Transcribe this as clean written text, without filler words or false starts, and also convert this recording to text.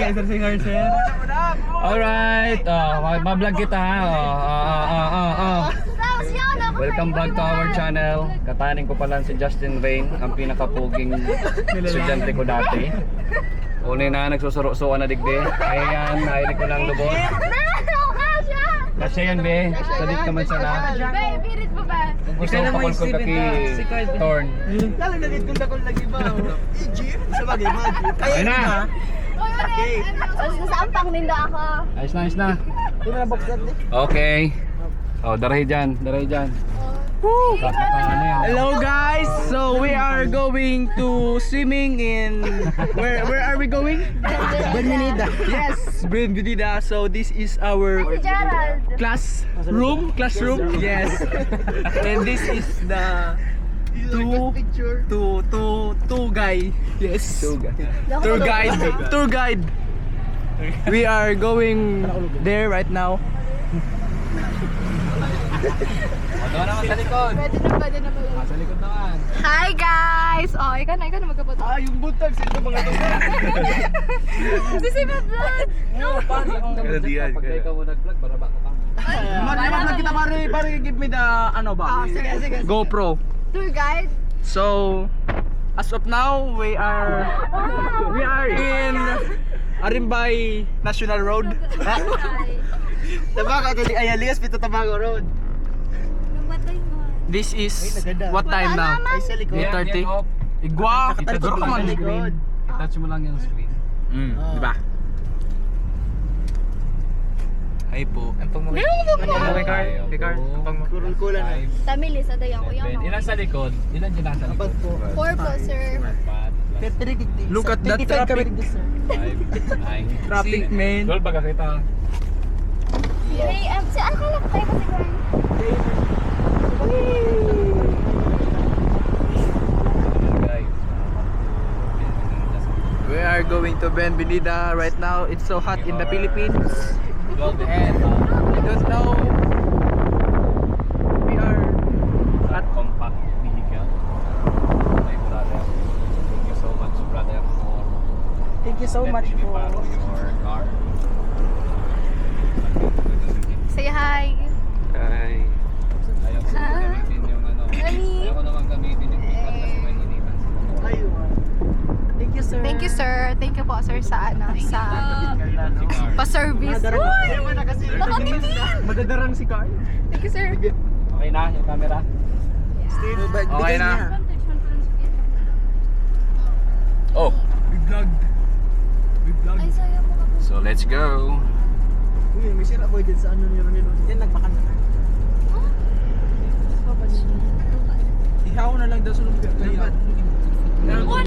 singer, sir. Alright, ma-vlog kita ha. Welcome back to our channel. Katanin ko pala si Justin Rain, ang pinakapuging estudyante ko dati. Uli na nagsusuro-suwa na digdi. Ayan, nainig ko ng lubot. Kasi yan be, salit naman sana. Be, pirit mo ba? Kung gusto mo pakulkul ka ki Torn. Lalo na dito na kung lagi ba? Jim, sa bagay mo. Ayun na! Saan pang nindo ako? Ayos na. Yung na box natin. Okay. Oh, darahi dyan. Woo! Ano yan? Hello guys, so we are going to swimming in where are we going? Benvenida. Yes, Benvenida. So this is our Si Gerald. classroom. Yes. And this is the two guy. Yes. Tour guide. We are going there right now. Doon naman sa likod. Pwede na ba? Sa likod naman. Hi guys! Oh, ikaw na magkapot. Yung buntag sila mga to. Si Vlog! No! Pag ikaw mo nag-vlog, baraba ka pa. Mag kita pare give me the ano ba? Sige. GoPro. Tour guide? So as of now we are in Arimbay National Road. Tabago tadi Ayalias pito Tabago Road. Namatay mo. This is what time now? 8:30. Igwa, siguro ka man. I-touch mo lang yung screen. Diba? Ay po. Ang pang May card. Kurul-kulan na. Tamilis, ada yung uyang no? Ilan sa likod? Ilan dyan nasa likod? 4 po, sir. 4 Look at that traffic. 5, 9. Traffic man. Goal baga kita. Hey, saan ka lang tayo kasi Gwen? We are going to Benvenida right now. It's so hot in the Philippines. And I don't know. We are At compact vehicle. My brother. Thank you so much, brother, for Thank you so much letting me for borrow your car. Say hi. Hi. Ayaw ko gamitin yung ano. Nani? Ayaw ko naman gamitin yung pickup kasi may hinitan sila. Thank you sir. Thank you, sir. Thank you po, sir, sa ano, sa Si car. pa-service. Uy! Nakangiti! Madadarang si Carl. Thank you, sir. Okay na yung camera? Okay na. Oh. We vlogged. Ay, saya mo ka po. So let's go. Uy, may sira boy din sa ano ni Ronelo. Yan nagpakan na. Ihaw na lang daw sa lumpia.